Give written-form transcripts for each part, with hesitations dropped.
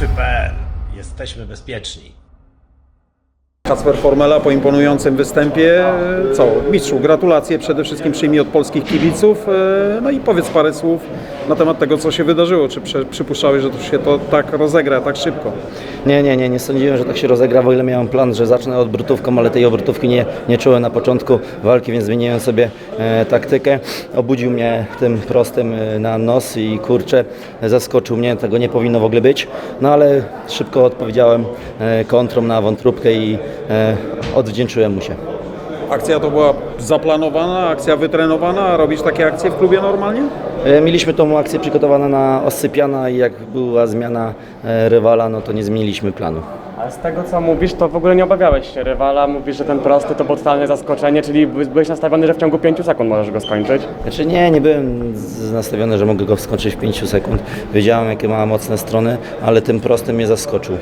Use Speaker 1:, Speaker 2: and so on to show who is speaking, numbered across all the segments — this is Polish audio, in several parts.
Speaker 1: Kibicy.pl. Jesteśmy bezpieczni.
Speaker 2: Kacper Formela po imponującym występie. Co? Mistrzu, gratulacje przede wszystkim przyjmij od polskich kibiców. No i powiedz parę słów na temat tego, co się wydarzyło. Czy przypuszczałeś, że to się to tak rozegra, tak szybko?
Speaker 3: Nie sądziłem, że tak się rozegra, o ile miałem plan, że zacznę obrotówką, ale tej obrotówki nie czułem na początku walki, więc zmieniłem sobie taktykę. Obudził mnie tym prostym na nos i kurczę, zaskoczył mnie, tego nie powinno w ogóle być. No ale szybko odpowiedziałem kontrą na wątróbkę i odwdzięczyłem mu się.
Speaker 2: Akcja to była zaplanowana, akcja wytrenowana, a robisz takie akcje w klubie normalnie?
Speaker 3: Mieliśmy tą akcję przygotowaną na Ossypiana i jak była zmiana rywala, no to nie zmieniliśmy planu.
Speaker 4: A z tego co mówisz, to w ogóle nie obawiałeś się rywala, mówisz, że ten prosty to było totalne zaskoczenie, czyli byłeś nastawiony, że w ciągu 5 sekund możesz go skończyć?
Speaker 3: Znaczy nie byłem nastawiony, że mogę go skończyć w 5 sekund. Wiedziałem, jakie ma mocne strony, ale tym prostym mnie zaskoczył.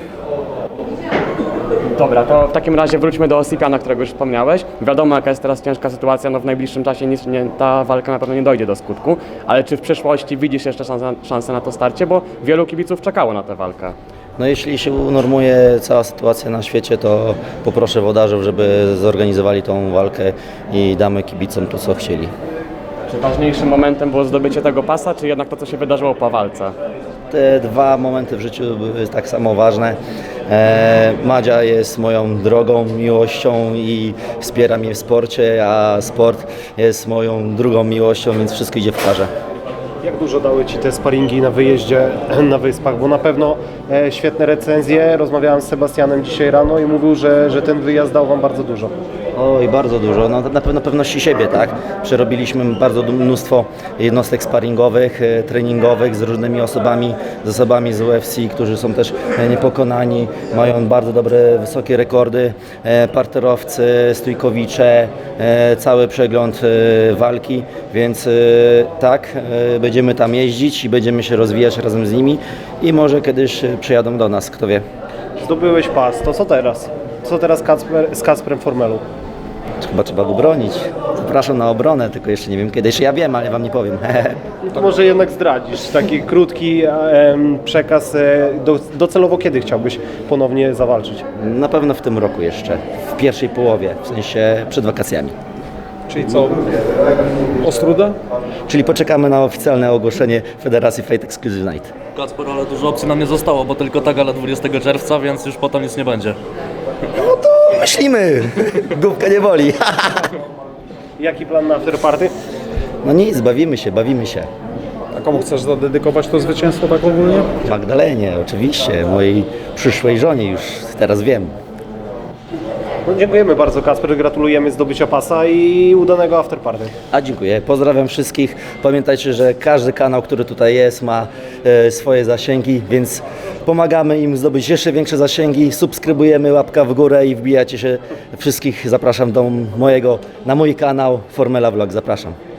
Speaker 4: Dobra, to w takim razie wróćmy do Ossypiana, którego już wspomniałeś. Wiadomo, jaka jest teraz ciężka sytuacja, no w najbliższym czasie ta walka na pewno nie dojdzie do skutku, ale czy w przyszłości widzisz jeszcze szansę na to starcie, bo wielu kibiców czekało na tę walkę?
Speaker 3: No jeśli się unormuje cała sytuacja na świecie, to poproszę włodarzów, żeby zorganizowali tą walkę i damy kibicom to, co chcieli.
Speaker 4: Czy ważniejszym momentem było zdobycie tego pasa, czy jednak to, co się wydarzyło po walce?
Speaker 3: Te dwa momenty w życiu były tak samo ważne. Madzia jest moją drogą, miłością i wspiera mnie w sporcie, a sport jest moją drugą miłością, więc wszystko idzie w parze.
Speaker 5: Jak dużo dały Ci te sparingi na wyjeździe na Wyspach? Bo na pewno świetne recenzje. Rozmawiałem z Sebastianem dzisiaj rano i mówił, że ten wyjazd dał Wam bardzo dużo.
Speaker 3: Oj, bardzo dużo. No na pewno pewności siebie, tak? Przerobiliśmy bardzo mnóstwo jednostek sparingowych, treningowych z różnymi osobami, z UFC, którzy są też niepokonani, mają bardzo dobre, wysokie rekordy, parterowcy, stójkowicze, cały przegląd walki, więc tak, będziemy tam jeździć i będziemy się rozwijać razem z nimi i może kiedyś przyjadą do nas, kto wie.
Speaker 5: Zdobyłeś pas, to co teraz? Co teraz z Kacprem Formelą?
Speaker 3: Chyba trzeba go bronić. Zapraszam na obronę, tylko jeszcze nie wiem kiedy. Jeszcze ja wiem, ale wam nie powiem.
Speaker 5: No to może jednak zdradzisz taki krótki przekaz. Docelowo kiedy chciałbyś ponownie zawalczyć?
Speaker 3: Na pewno w tym roku jeszcze, w pierwszej połowie, w sensie przed wakacjami.
Speaker 2: Czyli co? Ostruda?
Speaker 3: Czyli poczekamy na oficjalne ogłoszenie Federacji Fight Exclusive Night.
Speaker 6: Kacper, ale dużo opcji nam nie zostało, bo tylko ta gala 20 czerwca, więc już potem nic nie będzie.
Speaker 3: No to myślimy, główka nie boli.
Speaker 5: Jaki plan na afterparty?
Speaker 3: No nic, bawimy się.
Speaker 2: A komu chcesz zadedykować to zwycięstwo tak ogólnie?
Speaker 3: Magdalenie, oczywiście, mojej przyszłej żonie, już teraz wiem.
Speaker 5: No, dziękujemy bardzo, Kacper, gratulujemy zdobycia pasa i udanego afterparty.
Speaker 3: A dziękuję, pozdrawiam wszystkich. Pamiętajcie, że każdy kanał, który tutaj jest, ma swoje zasięgi, więc pomagamy im zdobyć jeszcze większe zasięgi. Subskrybujemy, łapka w górę i wbijacie się. Wszystkich zapraszam na mój kanał Formela Vlog. Zapraszam.